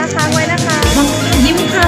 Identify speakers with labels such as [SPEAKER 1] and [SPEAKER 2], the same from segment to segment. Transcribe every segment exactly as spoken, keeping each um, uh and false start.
[SPEAKER 1] ค้างไว้นะคะ
[SPEAKER 2] ยิ้มค่ะ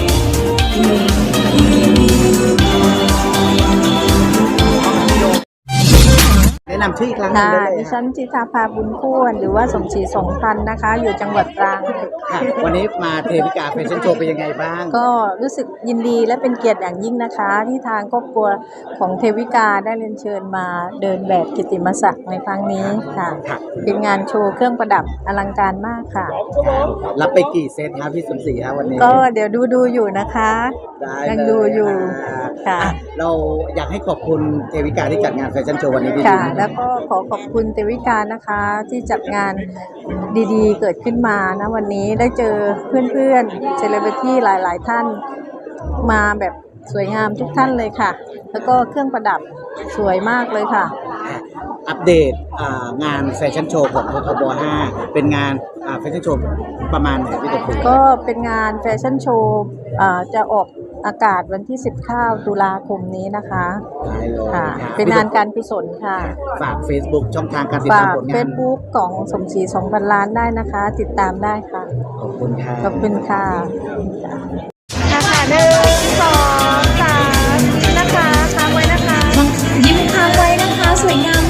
[SPEAKER 3] แนะนำชื่ออีกครั้งหนึ่ง
[SPEAKER 1] ค่ะ
[SPEAKER 3] ได้เลย
[SPEAKER 1] ดิ
[SPEAKER 3] ค
[SPEAKER 1] ฉั
[SPEAKER 3] รับ
[SPEAKER 1] นจิตาภาบุญควรหรือว่าสมศรีสงพันธ์นะคะ อยู่จังหวัดตรัง
[SPEAKER 3] ค่ะวันนี้มาเทวิกาแฟชั่นโชว์เป็นยังไงบ้าง
[SPEAKER 1] ก็รู้สึกยินดีและเป็นเกียรติอย่างยิ่งนะคะ ที่ทางครอบครัวของเทวิกาได้เรียนเชิญมาเดินแบบกิตติมศักดิ์ในครั้งนี้ค่ะ เป็นงานโชว์เครื่องประดับอลังการมากค่ะ
[SPEAKER 3] รับไปกี่เซตครับพี่สมศรีครับวันนี้
[SPEAKER 1] ก็เดี๋ยวดูดูอยู่นะคะ
[SPEAKER 3] ได้
[SPEAKER 1] ยัง
[SPEAKER 3] เล
[SPEAKER 1] ดูอยู่
[SPEAKER 3] ค่ะ
[SPEAKER 1] ค่ะ
[SPEAKER 3] อ่ะเราอยากให้ขอบคุณเทวิกาที่จัดงานแฟชั่นโชว์วันนี้ดี
[SPEAKER 1] ค่ะ
[SPEAKER 3] ๆ
[SPEAKER 1] แล้วก็ขอขอบคุณเทวิกานะคะที่จัดงานดีๆ เกิดขึ้นมานะวันนี้ได้เจอเพื่อนๆเซเลบริตี้หลายๆท่านมาแบบสวยงามทุกท่านเลยค่ะ แล้วก็เครื่องประดับสวยมากเลยค่ะ
[SPEAKER 3] อัปเดตอ่างานแฟชั่นโชว์ของททบห้าเป็นงานอ่าแฟชั่นโชว์ประมาณไหนพี่ตุ๊ก
[SPEAKER 1] ก็เป็นงานแฟชั่นโชว์อ่าจะออกอากาศวันที่สิบเก้าตุลาคมนี้นะคะ
[SPEAKER 3] ได้เลย
[SPEAKER 1] ค่ะ
[SPEAKER 3] ครับ
[SPEAKER 1] เป็นงานการกุศลค่ะ
[SPEAKER 3] ฝาก Facebook ช่องทางการติด
[SPEAKER 1] ฝา
[SPEAKER 3] ตาม
[SPEAKER 1] ก
[SPEAKER 3] ผลงาน
[SPEAKER 1] เฟซบุ๊กของสมศรีสองพันล้านได้นะคะ ติดตามได้ค่ะ
[SPEAKER 3] ขอบคุณค่ะ
[SPEAKER 1] ขอบคุณค่ะค่ะหนึ่งสองสามนะคะค้างไว้นะคะ
[SPEAKER 2] ยิ้มค้างไว้นะคะสวยงาม